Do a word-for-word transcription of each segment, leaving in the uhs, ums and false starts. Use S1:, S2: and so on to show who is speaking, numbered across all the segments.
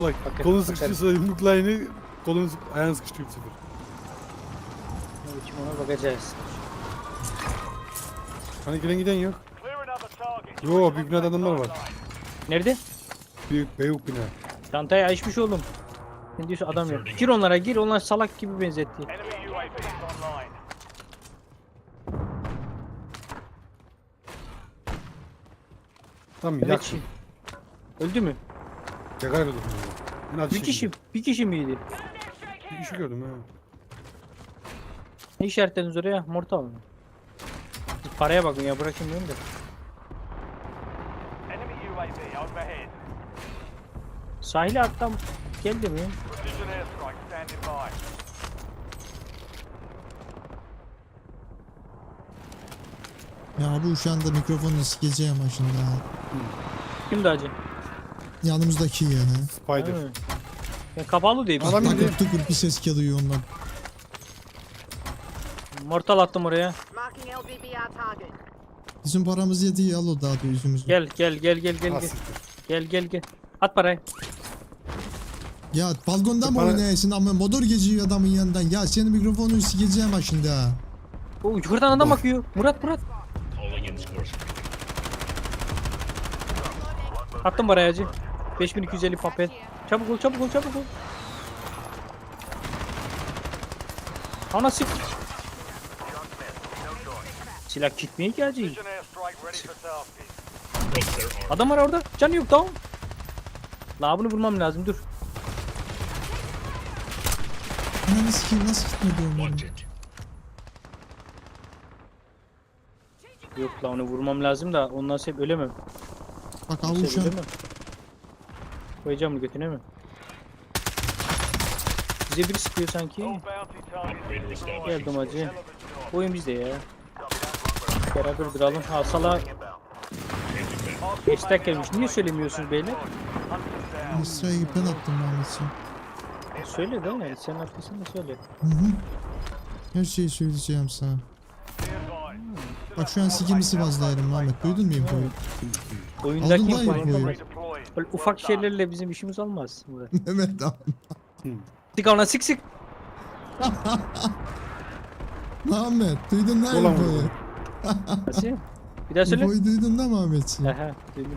S1: Bak
S2: Bakın,
S1: kolun
S2: bakarım.
S1: sıkıştıysa yumruklayını kolun sık ayağın sıkıştı sıfır.
S2: Evet, şimdi ona bakacağız.
S1: Hani gelen giden yok. Yo büyük binada adamlar var.
S2: Nerede?
S1: Büyük beyuk bina.
S2: Çantayı açmış oğlum. Ne diyorsun adam yok. Gir onlara gir, onlar salak gibi benzetti.
S1: Tamam
S2: Evet.
S1: yaksın.
S2: Öldü mü?
S1: Yakar öldüm. En az
S2: Bir kişi, bir kişi miydi?
S1: Bir kişi gördüm ha.
S2: Ne işaretlediniz oraya? Mortal mı? Paraya bakın ya, bırakayım diyorum da. Sahile atlam geldi mi?
S3: Ya bu şu anda mikrofonu sikeceğim başında.
S2: Kimdi acı?
S3: Yanımızdaki ya.
S1: Spider.
S2: Ha. Ya kapalı değil.
S1: Adam
S3: Bak
S1: indi.
S3: bak tukur bir ses geliyor ondan.
S2: Mortal attım oraya.
S4: Marking L B B R target.
S3: Bizim paramız yedi al o daha da yüzümüzü.
S2: Gel gel gel gel gel
S1: Ha,
S2: gel.
S1: siktir.
S2: Gel gel gel. At parayı.
S3: Ya balkonda mı
S1: Para-
S3: oynayasın ama motor geçiyor adamın yanından. Ya senin mikrofonunu sikeceğim başında.
S2: O yukarıdan adam bakıyor. Murat Murat. Attım parayı acı. beş bin iki yüz elli papel. Çabuk ol çabuk ol çabuk ol. Ana sık. Silah gitmiyor ki acı. Adam var orada. Canı yok tamam. La bunu vurmam lazım dur.
S3: Ananı sikeyim nasıl gitmedi onların?
S2: Yok la onu vurmam lazım da ondan sebep ölemem.
S3: Bak
S2: Sebep
S3: avuşan.
S2: ölemem. Koyacağım bunu götüne mi? Bize biri sıkıyor sanki. Geldim acı. Oyun bizde ya. Beraber duralım. Ha sala. Hashtag gelmiş. Niye söylemiyorsunuz beyler?
S3: Mısra'yı ben attım Mehmet'ciğim.
S2: Söyle değil mi? Sen arkasında söyle.
S3: Hı hı. Her şeyi söyleyeceğim sana. Bak şu an sikimi sıvazlayarım Mehmet. Duydun mu infoyu?
S2: Oyundaki
S3: Aldın lan
S2: infoyu.
S3: infoyu.
S2: Böyle ufak şeylerle bizim işimiz olmaz.
S3: Mehmet abi.
S2: Sık ona sık sık.
S3: Mehmet duydun lan
S1: Ulan
S3: infoyu.
S1: vurdum.
S2: Nasıl? Bir daha söyle.
S3: İnfoyu duydun da Mehmet'ciğim.
S2: Aha duydum.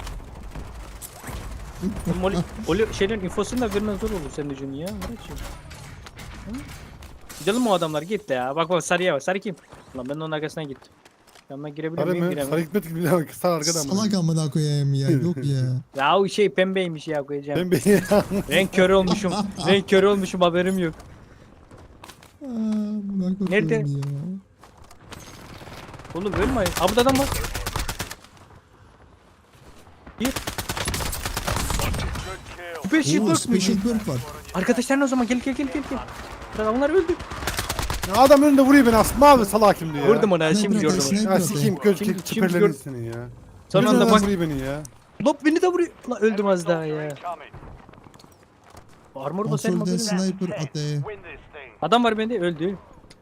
S2: Moli, Oli şeylerin infosunu da vermen zor olur senin için ya Muratcığım. Hı? Gidelim mi o adamlar git de ya. Bak bak sarıya bak. Sarı kim? Lan ben de onun arkasından gittim. Yanına girebiliyor
S1: Sarı
S2: muyum?
S1: mı?
S2: Giremem.
S1: Sarı gitmedi ki bir daha sağ arkada mı?
S3: Salak amına koyayım ya. Yok ya.
S2: Ya o şey pembeymiş ya koyacağım.
S1: Ben beni
S2: Renk körü olmuşum. Renk körü olmuşum haberim yok.
S3: Aa, buna koyayım
S2: Nerede?
S3: ya.
S2: Oğlum ölme. Aa burada adam var. Bir. Special
S3: Oo,
S2: perk mi?
S3: special perk var.
S2: Arkadaşlar o zaman gel gel gel gel gel. Bırak onlar öldü.
S1: Ya adam önünde vuruyor beni asma abi salak kimdi ya.
S2: Vurdum ona
S3: Ne
S2: şimdi
S3: bırak,
S2: gördüm onu.
S3: esnek-
S1: Ya sikeyim göz
S2: Şimdi-
S1: kek
S2: şimdi
S1: çiperlerin
S2: gör-
S1: seni ya.
S2: Son
S1: Önünde
S2: anda
S1: adam
S2: bak.
S1: vuruyor beni ya.
S2: Lop beni de vuruyor. Lan öldüm az daha ya. Armor basarım
S3: Kontrolden
S2: haberim.
S3: sniper atı.
S2: Adam var bende öldü.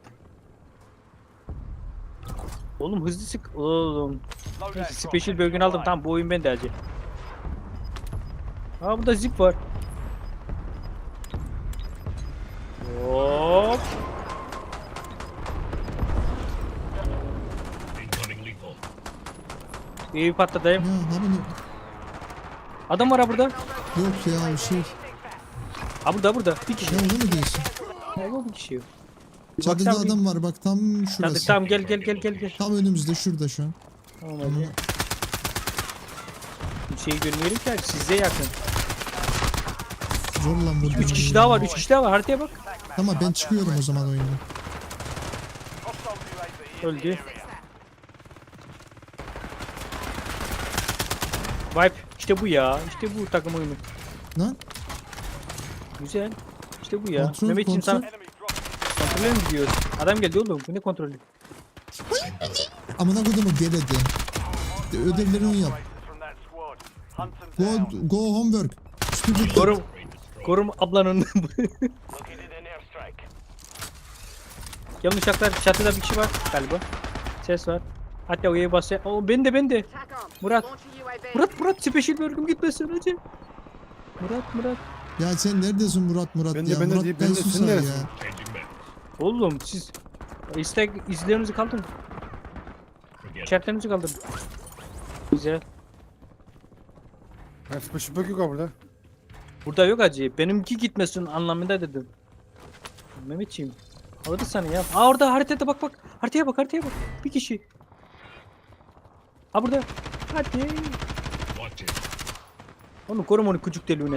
S2: Oğlum hızlı sık. Oğlum. Neyse, special bölgeni aldım. Tamam bu oyun bende acı. Aa burada zip var. Hop. İyi patladayım.
S3: Ya hani
S2: Adam var ha burada.
S3: yok ya o şey.
S2: Ha burada burada. Bir kişi.
S3: Ya onu mu diyorsun?
S2: Ha yok bir kişi yok. Bir
S3: Çatıda
S2: baksana bir-
S3: adam var bak tam
S2: Hadi
S3: şurası.
S2: tamam gel gel gel gel gel.
S3: Tam önümüzde şurada şu an.
S2: Tamam hadi. Bir şey görmüyorum ki abi, size yakın.
S3: Zor lan vurdum.
S2: Üç kişi
S3: ya.
S2: daha var, üç kişi daha var. Haritaya bak.
S3: Tamam ben çıkıyorum o zaman oyundan.
S2: Öldü. Vibe. İşte bu ya. İşte bu takım oyunu.
S3: Lan
S2: Güzel. İşte bu ya.
S3: Kontrol,
S2: Mehmetciğim sen
S3: kontrol.
S2: kontrole mi gidiyoruz? Adam geldi oğlum. Bu ne kontrolü?
S3: amına kodumu geledi. Ödevlerini yap. Go, go homework. Stupid.
S2: Korum. Korum ablanın. Yanlış haklar. Çatıda bir kişi var galiba. Ses var. Hatta O'ya basıyor. Oo ben de ben de.
S4: Tac on.
S2: Murat.
S4: Launch a U A V.
S2: Murat Murat special bölgüm gitmesin hacı. Murat Murat.
S3: Ya sen neredesin Murat Murat
S1: Ben de-
S3: ya?
S1: ben de
S3: Murat
S1: deyip- ben de-
S3: Beysun
S1: sen
S3: sen ya.
S1: neresin?
S2: Oğlum siz istek izlerinizi kaldırın. İşaretlerinizi kaldırın. Güzel.
S1: Ben sıkışıp yok ha burada.
S2: Burada yok acı. Benimki gitmesin anlamında dedim. Mehmetciğim. Alırız sana ya. Aa orada haritada bak bak. Haritaya bak haritaya bak. Bir kişi. Ha burada. Hadi. Onu korum onu küçük deliğine.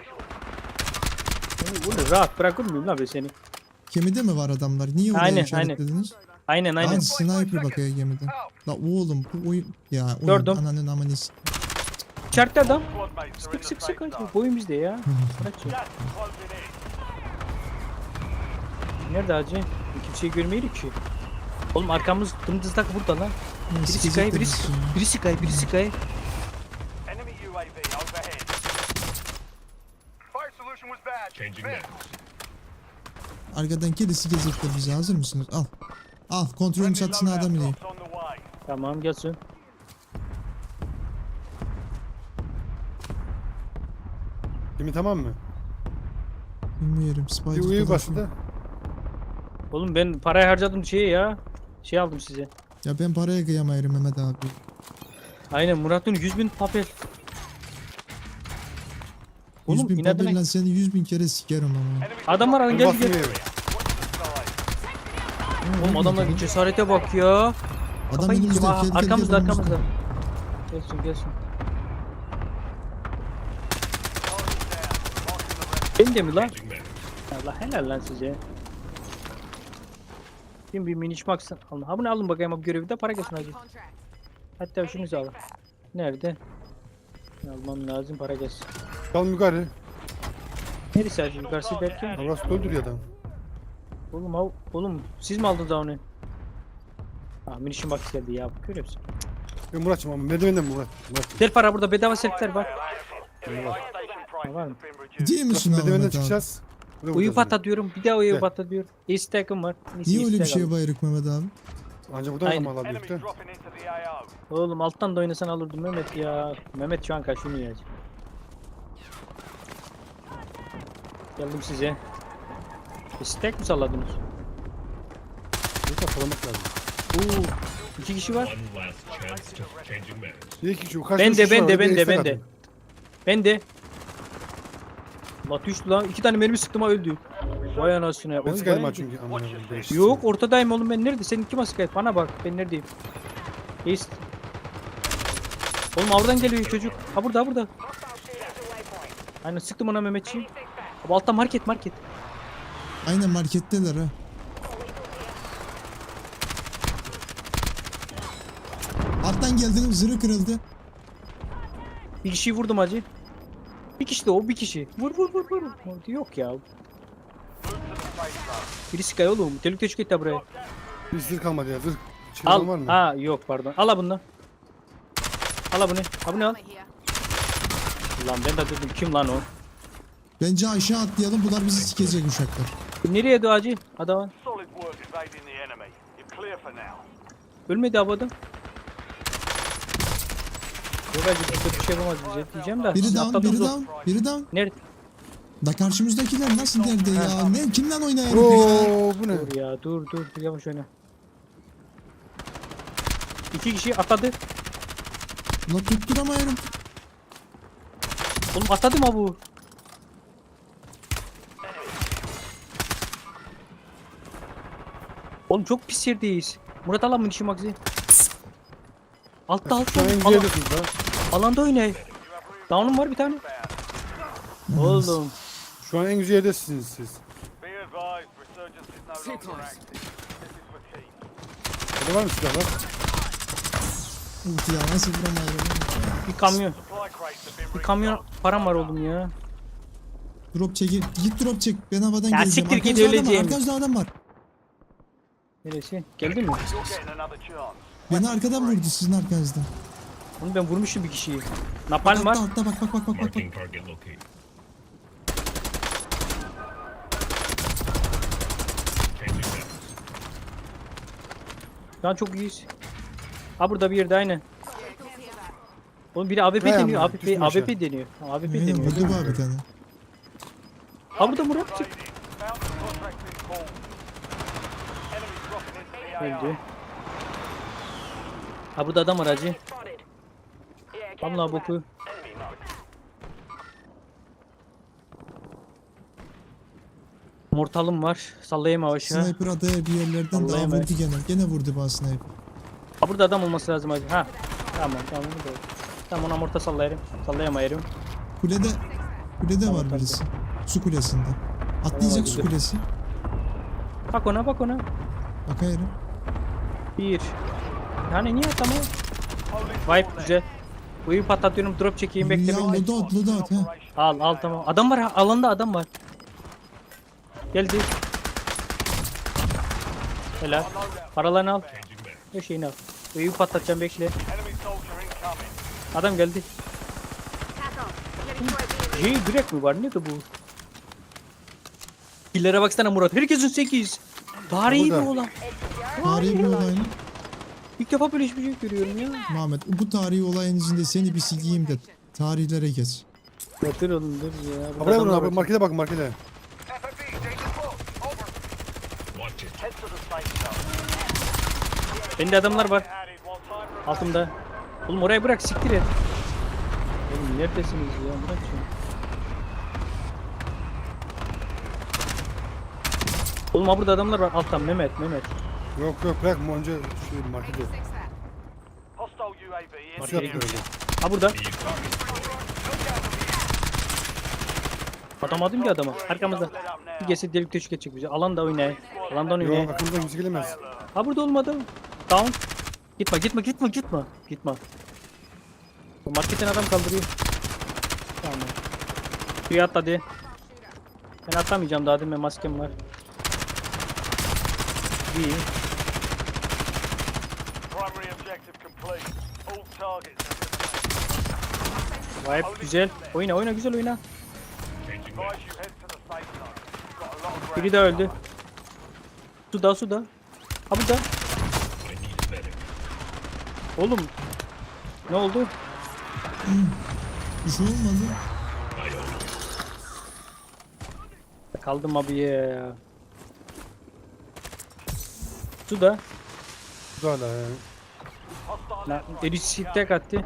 S2: Onu, onu rahat bırakır mıyım lan ben seni?
S3: Gemide mi var adamlar? Niye oraya
S2: Aynen,
S3: işaretlediniz?
S2: Aynen aynen.
S3: Aa sniper bakıyor gemide. La oğlum bu oyun ya oyun
S2: Gördüm.
S3: ananın amanı s-
S2: İçeride adam.
S1: Squad mates are in
S2: Sık
S1: the
S2: sık
S1: safe
S2: sık acı.
S1: zone.
S2: Boyun bizde ya. Bırak şimdi.
S1: Gas is closing in.
S2: Nerede acı? Kimseyi görmeyelim ki. Oğlum arkamız dımdızlak burada lan.
S3: Ya,
S2: Biri
S3: sikecek
S2: Sky,
S3: de
S2: biri
S3: bizi
S2: Sky,
S3: ya.
S2: biri Sky, biri Sky.
S1: Enemy U A V overhead. Fire solution was bad.
S5: Changing maps.
S3: Arkadan kedisi gezecekler bizi. Hazır mısınız? Al. Al kontrolün çatısına adam ineyim.
S1: Drops on the way.
S2: Tamam gelsin.
S1: Kimi tamam mı?
S3: Bilmiyorum.
S1: Bir
S3: Spider
S1: uyu
S3: falan.
S1: basıldı.
S2: Oğlum ben parayı harcadım şeye ya. Şey aldım size.
S3: Ya ben paraya kıyamayırım Mehmet abi.
S2: Aynen Murat'ın yüz bin papel. Oğlum
S3: yüz bin
S2: inadına...
S3: papelle seni yüz bin kere sikerim ama.
S1: Enemy
S2: Adam var lan gel
S1: basmıyor.
S2: gel.
S1: Watch the side.
S2: Oğlum adamların cesarete bak ya.
S3: Adam
S2: Kafayı
S3: önümüzde.
S2: yiyeceğim. Aa,
S3: Gel, gel, gel,
S2: arkamızda
S3: önümüzde.
S2: arkamızda. Gelsin gelsin. Ben de mi lan?
S5: Changing maps.
S2: Allah helal lan size. Şimdi bir miniş maksın. Alın. Ha bunu alın bakayım abi görevi de para gelsin hadi.
S4: Contract.
S2: Hatta şunu alın. Nerede? Almam lazım para gelsin.
S1: Kalın yukarı.
S2: Neresi acı yukarısı derken?
S1: Orası öldürüyor adam.
S2: Oğlum av, oğlum siz mi aldınız onu? Ah minişin bak geldi ya görüyor musun?
S1: Ben Murat'cığım ama merdivenden Murat. Murat.
S2: Self para burada bedava selfler var. Var mı?
S3: Değil misin
S1: Merdivenden
S3: Ahmet abi?
S1: çıkacağız. Buraya
S2: Uyu
S1: vuracağız
S2: patla diyorum bir daha uyu
S1: Gel.
S2: patla diyor. İstekim var. Neyse,
S3: Niye öyle bir
S2: istek
S3: şeye
S2: alın.
S3: bayırık Mehmet abi?
S1: yani. Ancak buradan
S2: Aynen.
S1: adam alabilir de.
S2: Oğlum alttan da oynasan alırdım Mehmet ya. Mehmet şu an kaşınıyor ya. Geldim size. İstek mi salladınız?
S1: Burada salamak lazım.
S2: Oo, iki kişi var.
S5: One last chance to changing maps.
S1: Bir iki şu karşıda
S2: Ben de
S1: şu var,
S2: ben de
S1: orada
S2: ben de
S1: istek
S2: ben de.
S1: atın.
S2: Ben de. La düştü lan. İki tane mermi sıktım ha öldü. Vay anasını ya.
S1: Ben
S2: Oy,
S1: sıkarım ha
S2: vay.
S1: çünkü. Aman Allah'ım, değişik.
S2: Yok ortadayım oğlum ben nerede? Senin kim asık Bana bak ben neredeyim? East. Oğlum oradan geliyor çocuk. Ha burada ha burada. Aynen sıktım ona Mehmetçiğim. Abi altta market market.
S3: Aynen marketteler ha. Alttan geldim zırhı kırıldı.
S2: Bir kişiyi vurdum hacı. Bir kişi de o bir kişi. Vur vur vur vur. Yok ya. Biri Sky oğlum. Delik teşvik et de buraya.
S1: Bir zırh kalmadı ya zırh. Çılgın
S2: Al.
S1: var mı?
S2: Ha yok pardon. Al bunu. Al bunu. Ha bunu al.
S4: Here.
S2: Lan ben de dedim kim lan o?
S3: Bence aşağı atlayalım bunlar bizi sikecek uşaklar.
S2: Nereye doğacı? Adam.
S1: Solid work evading the enemy. You're clear for now.
S2: Ölmedi abi adam. Yok acı burada bir şey yapamaz bize diyeceğim de.
S3: Biri
S2: siz
S3: down,
S2: atladınız
S3: biri
S2: o-
S3: down, biri down.
S2: Nerede?
S3: Da karşımızdakiler nasıl nerede ya? Ne kimden oynuyor herif ya?
S1: Oo bu ne?
S2: Dur ya dur dur dur yavaş oyna. İki kişi atladı.
S3: La tutturamıyorum.
S2: Oğlum atladı mı bu? Oğlum çok pis yerdeyiz. Murat alan mı işi magzi? Altta altta.
S1: Şu an en
S2: Alan,
S1: güzeliyorsunuz ha.
S2: alanda oynay. Down'um var bir tane. Oğlum.
S1: Şu an en güzel yerdesiniz siz. Burada var mı silahlar?
S3: Uf ya nasıl vuramıyorum.
S2: Bir kamyon. Bir kamyon param var oğlum ya.
S3: Drop çeki. Git drop çek. Ben havadan
S2: Ya
S3: geleceğim.
S2: siktir git,
S3: Arkanızda adam var,
S2: öleceğim.
S3: Arkanızda adam var.
S2: Neresi? Geldin mi?
S3: Beni arkadan vurdu sizin arkanızdan.
S2: Onu ben vurmuşum bir kişiyi.
S3: Bak
S2: Napalm var.
S3: altta altta bak bak bak bak bak. bak.
S5: Marking target locate. Changing maps.
S2: Şu an çok iyiyiz. Ha burada bir yerde aynen. Oğlum biri A W P
S1: Hay
S2: deniyor.
S1: Allah,
S2: A W P,
S1: düştüm aşağı.
S2: A W P deniyor. A W P
S3: Aynen
S2: deniyor.
S3: vurdu bu abi bir tane.
S2: Ha burada Murat çık. Öldü. Ha burada adam var hacı. Allah boku. Mortalım var. Sallayayım aşağı.
S3: Sniper adaya bir yerlerden daha
S2: Allah'ım
S3: vurdu gene. Gene vurdu bana sniper.
S2: Ha burada adam olması lazım hacı. Ha. Tamam tamam. Burada. Tamam ona morta sallayarım. Sallayamayarım.
S3: Kulede kulede
S2: Tamam,
S3: var
S2: tamam.
S3: birisi. Su kulesinde. Atlayacak su
S2: güzel.
S3: kulesi.
S2: Bak ona bak ona.
S3: Bakayım.
S2: Bir. Yani niye atamıyor? Vibe güzel. Uyu patlatıyorum drop çekeyim bekle
S3: Ya
S2: bekle.
S3: loadout loadout ha.
S2: Al al tamam. Adam var ha, alanda adam var. Geldi. Helal. Paralarını al.
S5: Changing mags.
S2: Her şeyini al. Uyu patlatacağım bekle. Adam geldi.
S4: Tack on. Getting to a
S2: J direkt mi var? Ne de bu? Killere baksana Murat. Herkesin sekiz. Tarihi bir
S1: Burada.
S2: olan.
S3: Tarihi bir olay mı?
S2: İlk defa böyle hiçbir şey görüyorum ya.
S3: Muhammed bu tarihi olayın içinde seni bir sikeyim de tarihlere geç.
S2: Yatır oğlum dur ya.
S1: Ha, buraya vurun
S2: adamlar
S1: abi.
S2: var.
S1: Markete bakın markete.
S5: Watch it.
S2: Bende adamlar var. Altımda. Oğlum orayı bırak siktir et. Oğlum neredesiniz ya? Bırak şunu. Oğlum ha burada adamlar var. Alttan Mehmet Mehmet.
S1: Yok yok bırak önce şu markete. Nasıl
S2: Markete
S1: yaptı öyle?
S2: Ha burada.
S5: Be target.
S2: Atamadım ki adama. Arkamızda. Bir gelse delik teşvik edecek bizi. Alanda oynay. Alanda oynay.
S1: Yok aklımda kimse gelemez.
S2: Ha burada olmadı. Down. Gitme gitme gitme gitme. Gitme. Bu marketten adam kaldırıyor. Tamam. Suya atladı. Ben atlamayacağım daha değil mi? Maskem var. İyi. Vibe güzel. Oyna oyna güzel oyna.
S5: Changing mags.
S2: Biri daha öldü. Suda suda. Ha burada.
S5: I need a medic.
S2: Oğlum. Ne oldu?
S3: Bir şey olmadı.
S5: I own it.
S2: Kaldım abi ya. Suda.
S1: Bu da hala ya.
S2: Lan erişi tek attı.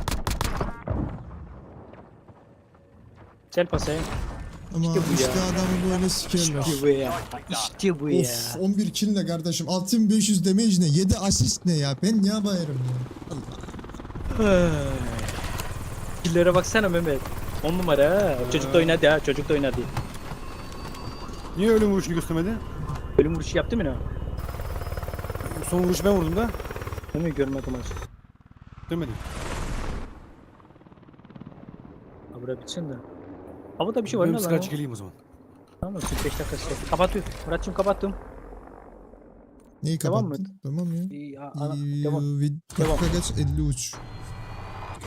S2: Gel pasaya.
S3: Ama
S2: İşte
S3: işte,
S2: bu ya.
S3: adamı böyle sikerler.
S2: İşte bu ya. İşte bu ya.
S3: Of on bir kill ne kardeşim? altı bin beş yüz damage ne? yedi asist ne ya? Ben niye bayarım ya? Allah.
S2: Killere baksana Mehmet. on numara ha. Çocuk da oynadı ha. Çocuk da oynadı.
S1: Niye ölüm vuruşunu göstermedi?
S2: Ölüm vuruşu yaptı mı ne?
S1: Son vuruşu ben vurdum da.
S2: Değil mi? Görmedim aç.
S1: Demedim.
S2: Ha bura bitsin de. Havada bir şey var
S1: Ben
S2: ne
S1: bir
S2: lan?
S1: sigara
S2: o?
S1: çekileyim o zaman.
S2: Tamam kırk beş dakika süre. Kapatıyorum. Murat'cığım kapattım.
S3: Neyi
S2: Devam mı?
S3: kapattın? Tamam ya.
S2: İyi, a- ana- devam.
S3: İyi, vid-
S2: Devam.
S3: dakika geç elli üç.